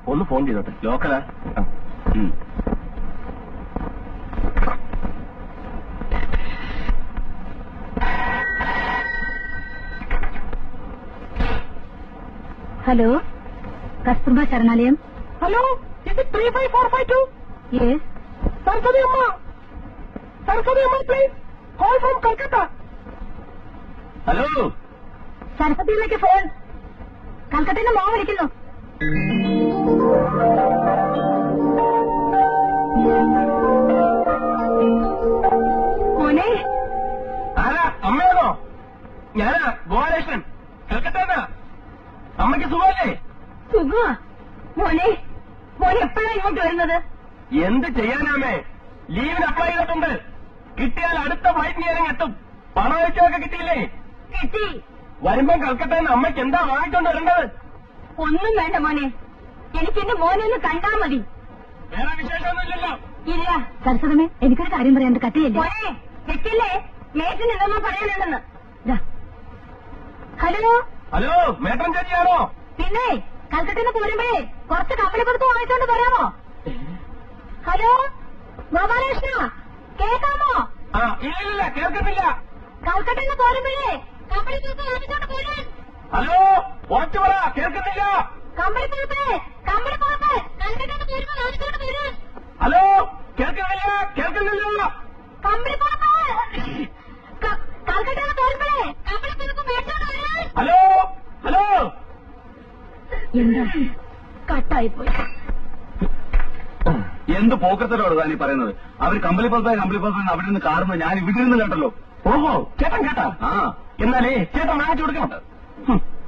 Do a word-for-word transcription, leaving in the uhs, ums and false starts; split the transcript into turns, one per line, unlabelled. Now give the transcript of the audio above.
ഒന്ന് ഫോൺ ചെയ്തോട്ടെ. ലോക്കലാ?
ഹലോ, കസ്തൂർബ ശരണാലയം.
ഹലോ, ഇത് three five four five two.
Yes.
Saraswati അമ്മ, സരസ്വതി അമ്മ please, call from Calcutta.
Hello,
സരസ്വതിയിലേക്ക് ഫോൺ. കൽക്കട്ടയിൽ നിന്ന് മോൻ വിളിക്കുന്നു. മോനെ.
ആരാ? അമ്മയാണോ? ഞാനാ ഗോപാലകൃഷ്ണൻ, കൽക്കട്ട. അമ്മയ്ക്ക് സുഖമല്ലേ?
സുഖമാ മോനെ. മോനെ എപ്പോഴാ ഇങ്ങോട്ട് വരുന്നത്?
എന്ത് ചെയ്യാനാമേ, ലീവിന് അപ്ലൈ ചെയ്തിട്ടുണ്ട്. കിട്ടിയാൽ അടുത്ത ഫ്ലൈറ്റ് ഞാൻ എത്തും. പണമൊക്കെ കിട്ടിയില്ലേ?
കിട്ടി.
വരുമ്പം കൽക്കട്ടയിൽ നിന്ന് അമ്മയ്ക്ക് എന്താ വാങ്ങിക്കൊണ്ട് വരേണ്ടത്?
ഒന്നും വേണ്ട മോനെ, എനിക്ക് എന്റെ മോനെ ഒന്ന് കണ്ടാ മതി.
വേറെ വിശേഷമൊന്നുമില്ലല്ലോ?
ഇല്ല. സരസ്വതമേ, എനിക്കൊരു കാര്യം പറയാൻ കത്തിയല്ലേ മോനെ. വെക്കില്ലേ, മേറ്റിന് എന്തെന്നോ പറയാനുണ്ടെന്ന്. ഹലോ.
ഹലോ, മേട്ടൻ ചേച്ചിയാണോ?
പിന്നെ കൽക്കട്ടയിൽ നിന്ന് പോരുമ്പോഴേ കുറച്ച് കപ്പലി പുറത്ത് വാങ്ങിച്ചോണ്ട് പറയാമോ? ഹലോ ഗോപാലകൃഷ്ണ, കേൾക്കാമോ?
ആ, ഇല്ലില്ല, കേൾക്കുന്നില്ല.
കൽക്കട്ടയിൽ നിന്ന് പോരുമ്പോഴേ കപ്പലി പുറത്ത് വാങ്ങിച്ചോണ്ട് പോരാൻ.
ഹലോ, ഉറച്ചു പറ, കേൾക്കുന്നില്ല.
കമ്പളി പുറത്ത്, കമ്പളി പുറത്ത് കൽക്കട്ടയിൽ നിന്ന് പോരുമ്പോ വാങ്ങിച്ചോണ്ട് പോരാൻ.
ഹലോ, കേൾക്കുന്നില്ല, കേൾക്കുന്നില്ല.
കമ്പളി പുറത്ത് കൽക്കട്ടയിൽ നിന്ന് പോരുമ്പോഴേ കമ്പളി പുറത്ത് മേടിച്ചോണ്ട് വരാൻ.
Hello, hello.
എന്താ കട്ടായിപ്പോയി?
എന്ത് പോക്കത്തോടാണ് താനീ പറയുന്നത്? അവർ കമ്പളി പുറത്തായി കമ്പളി പുറത്തായി അവിടെ നിന്ന് കാറുന്നത് ഞാൻ ഇവിടെ നിന്ന് കേട്ടല്ലോ.
ഓഹോ, ചേട്ടൻ കേട്ടാ?
ആ,
എന്നാലേ ചേട്ടൻ വാങ്ങിച്ചു കൊടുക്കണം.